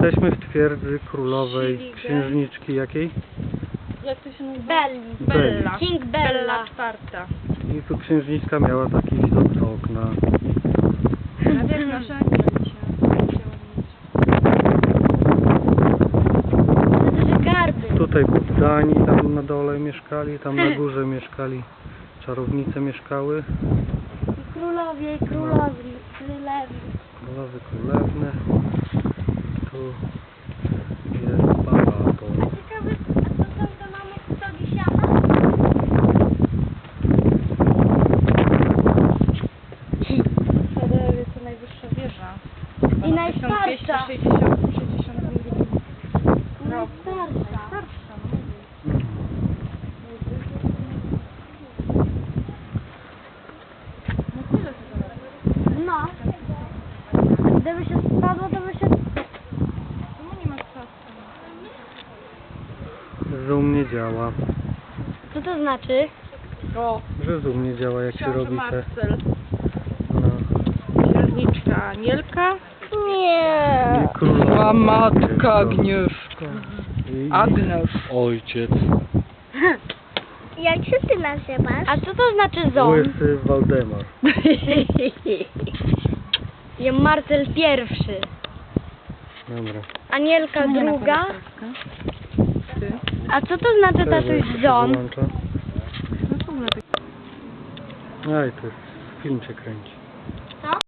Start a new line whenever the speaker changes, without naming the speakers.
Jesteśmy w twierdzy królowej
Siligen.
księżniczki jakiej?
Jak to się nazywa?
Belli.
Bella.
King Bella.
Bella czwarta.
I tu księżniczka miała taki widok z okna.
A wiesz, narzędzia dzisiaj.
To duże garby.
Tutaj poddani tam na dole mieszkali, tam na górze mieszkali. Czarownice mieszkały.
I królowie, i królowi, królewi.
Królowy, królewne. Tu jest balaton.
Ciekawe, a co tam to mamy stogi siana?
Wtedy jest to najwyższa wieża.
I najstarsza.
1262 rok.
Najstarsza.
Starsza, no tyle to zależy.
No. Gdyby się spadło, to by się...
No nie ma czasu.
Zoom nie działa.
Co to znaczy?
O,
Że zoom nie działa jak się
książę
robi te...
Marcel.
No.
Księżniczka Anielka.
Nie.
I królowa.
Zła matka Agnieszka.
I
Agnes.
ojciec.
Jak się ty nazywasz? A co to znaczy ząb?
Łysy Waldemar.
Ja Marcel pierwszy.
Dobra.
Anielka druga.
Ty.
A co to znaczy tatuś ząb?
Wyłącza.
No w ogóle
Aj, to jest film się kręci.